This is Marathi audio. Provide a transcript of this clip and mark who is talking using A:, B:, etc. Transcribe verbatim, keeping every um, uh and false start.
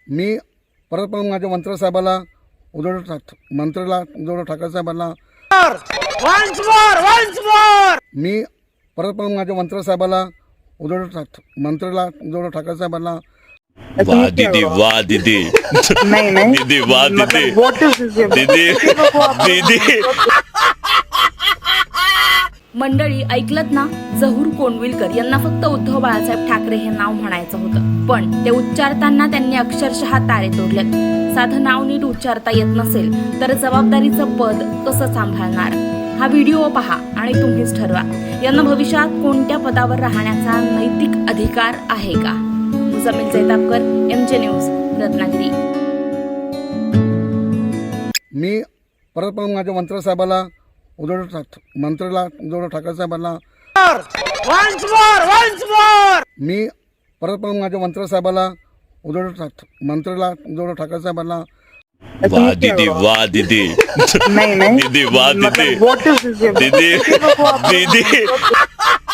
A: मी परत पण माझ्या मंत्री साहेबाला उद्धव ठा- मंत्र्याला उद्धव ठाकरे साहेबांना मी परत पण माझ्या मंत्री साहेबाला उद्धव ठा- मंत्र्याला उद्धव ठाकरे साहेबांना
B: वाह दीदी वाह दीदी
C: नहीं नहीं
B: दीदी वाह दीदी
C: मतलब what is this?
B: दीदी दीदी
D: मंडळी ऐकलत ना, जहूर कोंडविलकर यांना फक्त उद्धव बाळासाहेब ठाकरे हे नाव म्हणायचं होतं, पण ते उच्चारताना त्यांनी अक्षरशः तारे तोडलेत. साधं नाव नीट उच्चारता येत नसेल तर जबाबदारीचं पद कसं सांभाळणार? हा व्हिडिओ पहा आणि तुम्हीच ठरवा, यांना भविष्यात कोणत्या पदावर राहण्याचा नैतिक अधिकार आहे का? Muzammil Jaitapkar, M J news, Ratnagiri.
A: मी परत पण माझ्या मंत्री साहेबाला उद्धव ठा- मंत्र्याला उद्धव ठाकरे साहेबांना मी परत पण माझ्या मंत्री साहेबाला उद्धव ठा- मंत्र्याला उद्धव ठाकरे साहेबांना
B: वाह दीदी वाह दीदी
C: नहीं नहीं
B: दीदी वाह दीदी
C: मतलब what is this?
B: दीदी दीदी